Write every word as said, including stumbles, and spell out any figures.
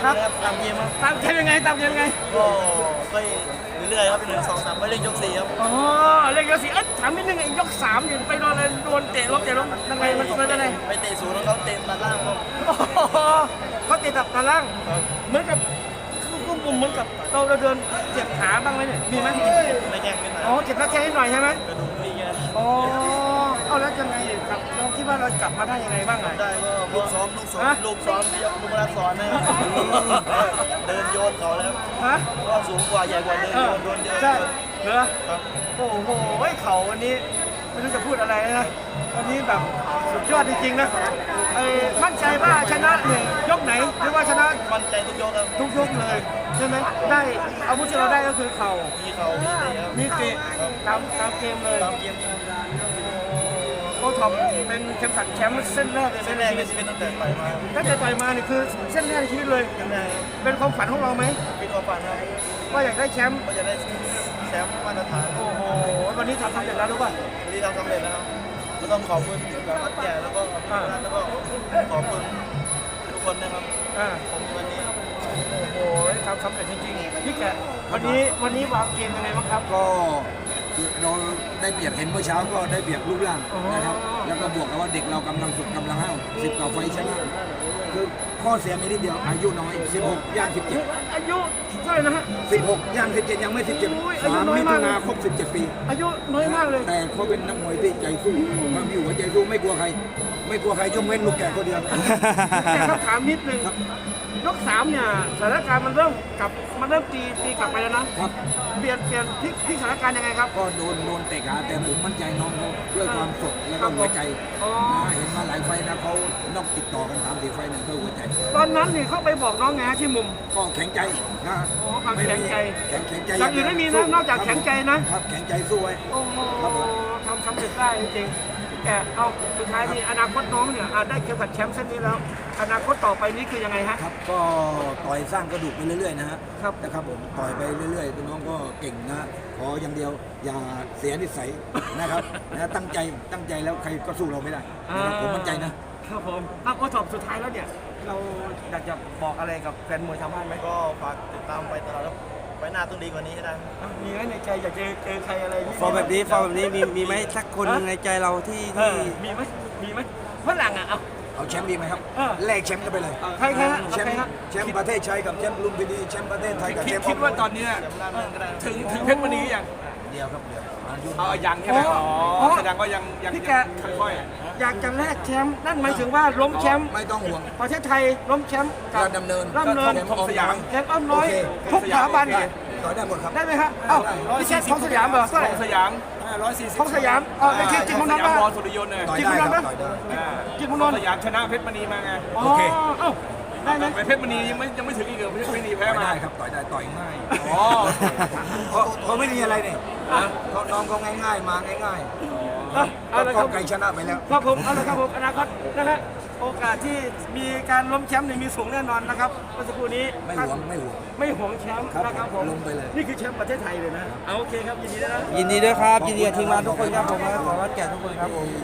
ครับตามเกมครับตามเกมยังไงตามเกมยังไงก็ไปเรื่อยๆครับเป็นหนึ่งสองสามไปเล่นยกสี่ครับอ๋อเล่นยกสี่เอ๊ะถามนิดนึงไอ้ยกสามเนี่ยไปโดนอะไรโดนเตะล้มเตะล้มยังไงมันเป็นยังไงไปเตะศูนย์แล้วเขาเตะตัดล่างครับโอ้โหเขาเตะตับตาล่างครับเหมือนกับคือกุมกุมเหมือนกับเราเราเดินเจ็บขาบ้างไหมเนี่ยมีไหมไม่แข่งไม่นานอ๋อเจ็บหน้าแข้งนิดหน่อยใช่ไหมกระดูกไม่เยอะอ๋อเอาแล้วยังไงครับเราคิดว่าเรากลับมาได้ยังไงบ้างอ่ะได้ก็ลูกซ้อมลูกซ้อมลูกซ้อมที่ลูกรักสอนนะครับเดินโยนเขาแล้วฮะก็สูงกว่าใหญ่กว่าเดินเอโยอนโดนเยอะใช่เหรอครับโอ้โหเขาวันนี้ไม่รู้จะพูดอะไรนะวันนี้แบบสุดยอดจริงๆนะเอ้มั่นใจว่าชนะเนี่ยยกไหนหรือว่าชนะมั่นใจทุกยกครับทุกยกเลยใช่ไหมได้อาวุธที่เราได้ก็คือเข่ามีเขามีเตะครับมีเตะตามตามเกมเลยตามเกมครับโอ้ทอมเป็นเข็มขัดแชมป์เส้นแรกเลยเส้นแรกในชีวิตตั้งแต่ต่อยมาตั้งแต่ต่อยมานี่คือเส้นแรกในชีวิตเลยเส้นแรกเป็นความฝันของเราไหมเป็นความฝันครับว่าอยากได้แชมป์ก็จะได้แชมป์มาตรฐานโอ้โหวันนี้ทำสำเร็จแล้วรู้ป่ะวันนี้ทำสำเร็จแล้วครับก็ต้องขอบคุณกับวัดใหญ่แล้วก็แล้วก็ขอบคุณทุกคนนะครับอ่าผมวันนี้โอ้โหทำสำเร็จจริงๆพี่แกะวันนี้วันนี้วางเกมยังไงบ้างครับก็เราได้เปรียบเห็นเมื่อเช้าก็ได้เปรียบรูปร่างนะครับ แล้วก็บวกกับว่าเด็กเรากำลังฝึกกำลังห้าวสิบกว่าไฟชนะคือข้อเสียมีนิดเดียวอายุน้อยสิบหกย่างสิบเจ็ดอายุเท่าไหร่นะฮะสิบหกย่างสิบเจ็ดยังไม่สิบเจ็ดโอ้ยอายุสามน้อยมิมาถุกนาครบสิบเจ็ดปีอายุน้อยมากเลยแต่เขาเป็นนักมวยที่ใจสู้ความมีหัวใจสู้ไม่กลัวใคร ไม่กลัวใครยกเว้นลูกแก่คนเดียวแต่คำถามนิดนึงยกสามเนี่ยสถานการณ์มันเริ่มกลับมันเริ่มตีตีกลับไปแล้วนะครับ เปลี่ยนเปลี่ยนพลิกพลิกสถานการณ์ยังไงครับก็โดนโดนเตะขาแต่ผมมั่นใจน้องเขาด้วยความสดแล้วก็หัวใจอ๋อนะเห็นมาหลายไฟล์นะเขานอกติดต่อกันสามสี่ไฟล์นั่นเพื่อหัวใจตอนนั้นนี่เขาไปบอกน้องไงฮะที่มุมก็แข็งใจนะอ๋อความแข็งใจแข็งแข็งใจอย่างอื่นไม่มีนะนอกจากแข็งใจนะครับแข็งใจสู้ไว้โอ้โหครับผมทำสำเร็จได้จริงๆแต่เอาสุดท้ายนี่อนาคตน้องเนี่ยอ่ะได้เข็มขัดแชมป์เส้นนี้แล้ว อนาคตต่อไปนี้คือยังไงฮะครับก็ต่อยสร้างกระดูกไปเรื่อยๆนะฮะครับนะครับผมต่อยไปเรื่อยๆน้องก็เก่งนะขออย่างเดียวอย่าเสียนิสัยนะครับนะตั้งใจตั้งใจแล้วใครก็สู้เราไม่ได้นะครับผมมั่นใจนะครับผมเอาโอทอปสุดท้ายแล้วเนี่ย เราอยากจะบอกอะไรกับแฟนมวยทางบ้านไหมก็ฝากติดตามไปตลอดครับไปหน้าต้องดีกว่านี้ให้ได้อ่ะมีไหมในใจอยากเจอเจอใครอะไรฟอร์มแบบนี้ฟอร์มแบบนี้มีมีไหมสักคนหนึ่งในใจเราที่เอที่อมีไหมมีไหมฝรั่งอ่ะเอาเอาแชมป์ดีไหมครับเออแลกแชมป์กันไปเลยใครใครฮะแชมใครป์ฮะแชมป์ประเทศชัยกับแชมป์ลุมพินีแชมป์ประเทศไทยกับคิแชดมป์คิดว่าตอนเนี้ยเดี๋ยวหน้าเมืองก็ได้ถึงถึงเพชรมณียังเดียวครับเดียวอายุเอายังใช่ไหมอ๋อ๋ออแสดงว่ายังยังพี่แกค่อยอยากจะแลกแชมป์นั่นหมายถึงว่าล้มแชมป์ไม่ต้องห่วงประเทศไทยล้มแชมป์กับราชดำเนินราชดำเนินแชมป์ออมน้อยแชมป์อ้อมน้อยโอเคทุกสถาบันต่อยได้หมดครับได้ไหมฮะเอ้าพี่แชมป์ของสยามเหรอเท่าไหร่ๆสยามร้อยสี่สิบของสยามเออในที่จริงของสน้องยามบ้านรอสุริยนต์เลยต่อยจริงได้คุณคน้รัอบ งต่อยได้จริงคุณนนท์สยามชนะเพชรมณีมาไงอ๋อโอเคเอ้าได้ไหมไปเพชรมณียังไม่ยังไม่ถึงอีกเหรอเพชรมณีแพ้ต่อยมาได้ครับต่อยได้ต่อยง่ายอ๋อเพราะเขาไม่มีอะไรนี่เขาน้องเขาง่ายๆมาง่ายเอาๆเอาละคก็รับไกลชนะไปแล้วครับผมเอาละครับผมอนาคตนะฮะโอกาสที่มีการล้มแชมป์เนี่ยมีสูงแน่นอนนะครับเมื่อสักครู่นี้ไม่หวงไม่หวงไม่หวงแชมป์ครับนะครับผมลงไปเลยนี่คือแชมป์ประเทศไทยเลยนะเอาโอเคครับยินดีด้วยนะยินดีด้วยครับ ยินดีกับทีมงานทุกคนครับผมและขอวัดแก่ทุกคนครับผม